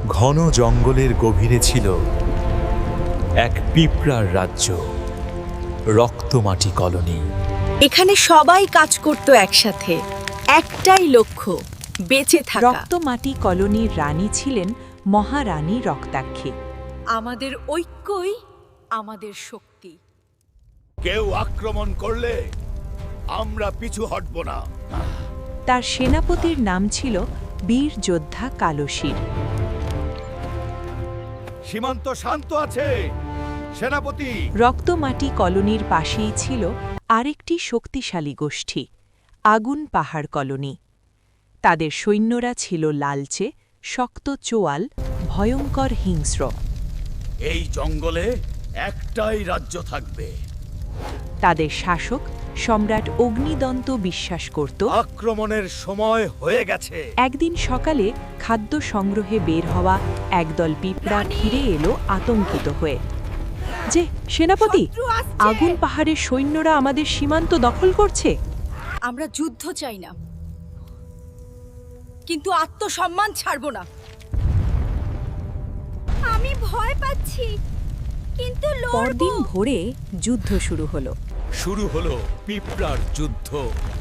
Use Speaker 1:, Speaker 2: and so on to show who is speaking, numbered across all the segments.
Speaker 1: ঘন জঙ্গলের গভীরে ছিল এক পিঁপড়ার রাজ্য, রক্তমাটি কলোনি।
Speaker 2: এখানে সবাই কাজ করত একসাথে, একটাই লক্ষ্য, বেঁচে থাকা।
Speaker 3: রক্তমাটি কলোনির রানী ছিলেন মহারানী রক্তাক্ষী।
Speaker 2: আমাদের ঐক্যই আমাদের শক্তি।
Speaker 4: কেউ আক্রমণ করলে আমরা পিছু হটব না।
Speaker 3: তার সেনাপতির নাম ছিল বীর যোদ্ধা কালশির।
Speaker 4: সীমান্ত শান্ত আছে সেনাপতি।
Speaker 3: রক্তমাটি কলোনির পাশেই ছিল আরেকটি শক্তিশালী গোষ্ঠী, আগুন পাহাড় কলোনি। তাদের সৈন্যরা ছিল লালচে, শক্ত চোয়াল, ভয়ঙ্কর হিংস্র।
Speaker 4: এই জঙ্গলে একটাই রাজ্য থাকবে।
Speaker 3: তাদের শাসক সম্রাট অগ্নিদন্ত বিশ্বাস করত
Speaker 4: আক্রমণের সময় হয়ে গেছে।
Speaker 3: একদিন সকালে খাদ্য সংগ্রহে বের হওয়া একদল পিঁপড়া ফিরে এলো আতঙ্কিত হয়ে। যে সেনাপতি,
Speaker 2: শত্রু আসছে!
Speaker 3: আগুন পাহাড়ের সৈন্যরা আমাদের সীমান্ত দখল করছে।
Speaker 2: আমরা যুদ্ধ চাই না, কিন্তু আত্মসম্মান ছাড়ব না। আমি ভয় পাচ্ছি, কিন্তু
Speaker 3: পরদিন ভোরে যুদ্ধ শুরু হলো।
Speaker 4: শুরু হলো পিঁপড়ার যুদ্ধ।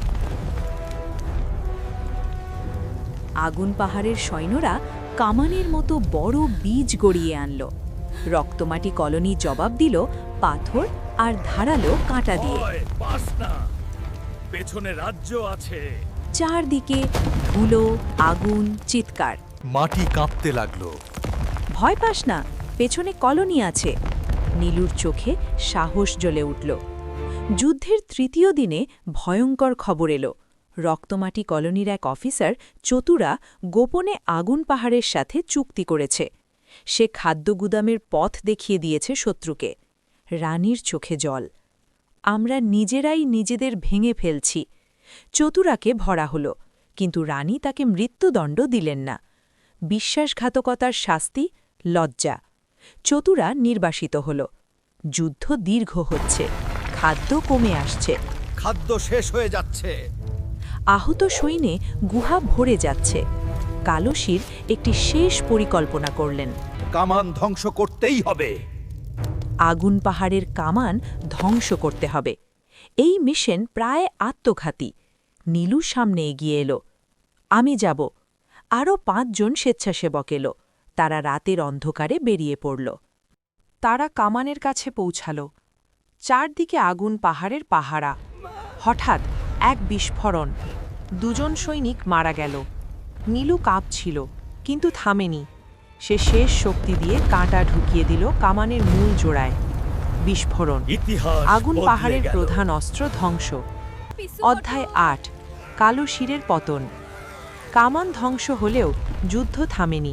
Speaker 3: আগুন পাহাড়ের সৈন্যরা কামানের মতো বড় বীজ গড়িয়ে আনল। রক্তমাটি কলোনি জবাব দিল পাথর আর ধারালো কাঁটা দিয়ে।
Speaker 4: ভয় পাস না, পেছনে রাজ্য আছে।
Speaker 3: চারদিকে ধুলো, আগুন, চিৎকার।
Speaker 1: মাটি কাঁপতে লাগলো।
Speaker 3: ভয় পাস না, পেছনে কলোনি আছে। নীলুর চোখে সাহস জ্বলে উঠল। যুদ্ধের তৃতীয় দিনে ভয়ঙ্কর খবর এলো। রক্তমাটি কলোনির এক অফিসার চতুরা গোপনে আগুন পাহাড়ের সাথে চুক্তি করেছে। সে খাদ্য গুদামের পথ দেখিয়ে দিয়েছে শত্রুকে। রানীর চোখে জল। আমরা নিজেরাই নিজেদের ভেঙে ফেলছি। চতুরাকে ভরা হলো, কিন্তু রানী তাকে মৃত্যুদণ্ড দিলেন না। বিশ্বাসঘাতকতার শাস্তি লজ্জা। চতুরা নির্বাসিত হল। যুদ্ধ দীর্ঘ হচ্ছে, খাদ্য কমে আসছে।
Speaker 4: খাদ্য শেষ হয়ে যাচ্ছে।
Speaker 3: আহত সৈন্যে গুহা ভরে যাচ্ছে। কালশির একটি শেষ পরিকল্পনা করলেন।
Speaker 4: কামান ধ্বংস করতেই হবে।
Speaker 3: আগুন পাহাড়ের কামান ধ্বংস করতে হবে। এই মিশন প্রায় আত্মঘাতী। নীলু সামনে এগিয়ে এলো। আমি যাব। আরও ৫ জন স্বেচ্ছাসেবক এলো। তারা রাতের অন্ধকারে বেরিয়ে পড়ল। তারা কামানের কাছে পৌঁছাল। চারদিকে আগুন পাহাড়ের পাহারা। হঠাৎ এক বিস্ফোরণ। ২ জন সৈনিক মারা গেল। নীলু কাঁপছিল, কিন্তু থামেনি। সে শেষ শক্তি দিয়ে কাঁটা ঢুকিয়ে দিল কামানের মূল জোড়ায়। বিস্ফোরণ।
Speaker 4: ইতিহাস
Speaker 3: আগুন
Speaker 4: বদলে
Speaker 3: পাহাড়ের
Speaker 4: গেল।
Speaker 3: প্রধান অস্ত্র ধ্বংস। অধ্যায় ৮। কালশিরের পতন। কামান ধ্বংস হলেও যুদ্ধ থামেনি।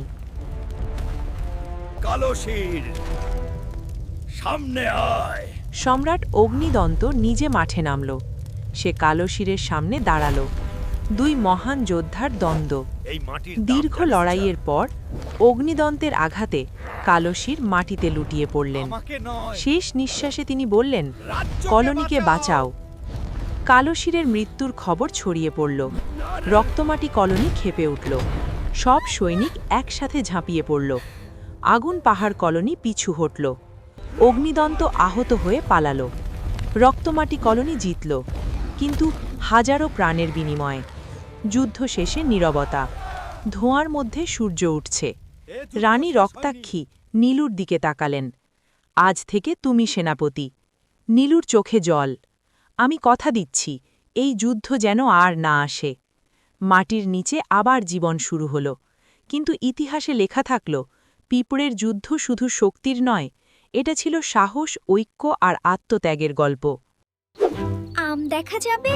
Speaker 4: কালশির সামনে আয়।
Speaker 3: সম্রাট অগ্নিদন্ত নিজে মাঠে নামল। সে কালশিরের সামনে দাঁড়াল। ২ মহান যোদ্ধার দ্বন্দ্ব।
Speaker 4: এই মাটির
Speaker 3: দীর্ঘ
Speaker 4: দাম জানিস
Speaker 3: লড়াইয়ের পর অগ্নিদন্তের আঘাতে কালশির মাটিতে লুটিয়ে পড়লেন।
Speaker 4: আমাকে নয়,
Speaker 3: শেষ নিঃশ্বাসে তিনি বললেন,
Speaker 4: রাজ্যকে
Speaker 3: কলোনিকে
Speaker 4: বাঁচাও।
Speaker 3: বাঁচাও। কালশিরের মৃত্যুর খবর ছড়িয়ে পড়ল। রক্তমাটি কলোনি ক্ষেপে উঠল। সব সৈনিক একসাথে ঝাঁপিয়ে পড়ল। আগুন পাহাড় কলোনি পিছু হটল। অগ্নিদন্ত আহত হয়ে পালাল। রক্তমাটি কলোনি জিতল, কিন্তু হাজারো প্রাণের বিনিময়ে। যুদ্ধ শেষে নীরবতা। ধোঁয়ার মধ্যে সূর্য উঠছে। রানী রক্তাক্ষী নীলুর দিকে তাকালেন। আজ থেকে তুমি সেনাপতি। নীলুর চোখে জল। আমি কথা দিচ্ছি, এই যুদ্ধ যেন আর না আসে। মাটির নিচে আবার জীবন শুরু হলো, কিন্তু ইতিহাসে লেখা থাকল পিঁপড়ের যুদ্ধ শুধু শক্তির নয়, এটা ছিল সাহস, ঐক্য আর আত্মত্যাগের গল্প।
Speaker 2: আম দেখা যাবে?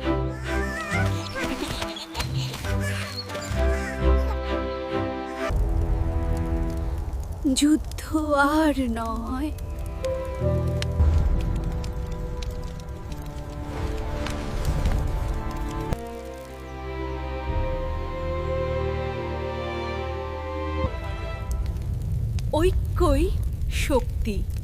Speaker 2: যুদ্ধ আর নয়। ঐক্যই শক্তি।